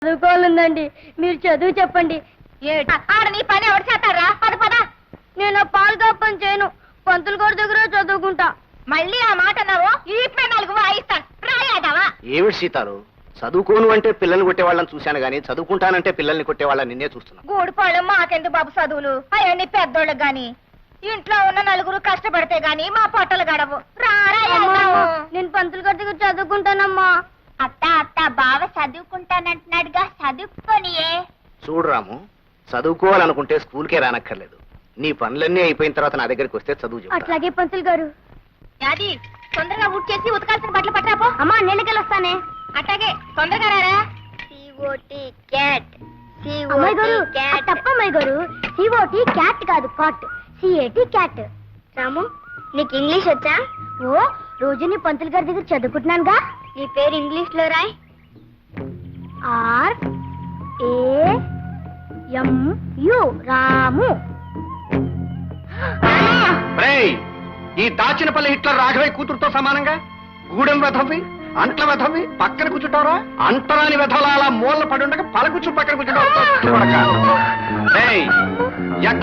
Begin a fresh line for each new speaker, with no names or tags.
చదువుకోవాలందండి. మీరు చదువు చెప్పండి.
ఆడ నీ పని ఎవరు చేస్తారా? పద పద.
నేను పాలుగా పని చేయను. పంతులు గారి దగ్గర చదువుకుంటా.
మళ్ళీ ఆ మాట అన్నావు ఈ 4 వాయిస్తాను రాయాదావా?
ఏమిటి సీతారు, చదువుకోను అంటే పిల్లల్ని కొట్టేవాళ్ళని చూశాను గానీ చదువుకుంటానంటే పిల్లల్ని కొట్టేవాళ్ళని నిన్నే చూస్తున్నా.
గూడిపాళ్ళు మాకెందుకు బాబు చదువులు? అవన్నీ పెద్దోళ్ళకి గాని ఇంట్లో ఉన్న 4 కష్టపడితే గాని మా పొట్టలు గడవు.
నేను పంతులు గారి దగ్గర చదువుకుంటానమ్మా.
అత్త అత్త బావ చదువుకుంటానంటున్నాడుగా, చదువుకోనియే.
చూడు రాము, చదువుకోవాలనుకుంటే స్కూల్కే రానక్కర్లేదు. నీ పనులన్నీ అయిపోయిన తర్వాత నా దగ్గరికి వస్తే చదువు చెప్తా.
అట్లాగే పంతులు గారు.
అది తొందరగా ఊట్ చేసి ఉతకాల్సిన బట్టలు పట్టరాపో.
అమ్మా నేనకెళ్ళి వస్తానే.
అట్లాగే తొందరగా రారా.
అమ్మాయి గారు తప్పమ్మాయి గారు. సిఓటి క్యాట్ కాదు కాట్. C A T cat. రాము నీకు ఇంగ్లీష్ వచ్చా? ఓ రోజు నీ పంతులు గారి దగ్గర చదువుకుంటున్నానుగా. నీ పేరు ఇంగ్లీష్ లో రాయ్. RAMU రాము.
రేయ్, ఈ దాచినపల్లి హిట్లర్ రాఘవయ్య కూతురుతో సమానంగా గూడెం వెధవి, అంట్ల వెధవి పక్కన కూర్చుంటారా? అంటరాని వెధవల అలా మూలన పడి ఉండగా పలకూర్చు పక్కన కూర్చుంటావు.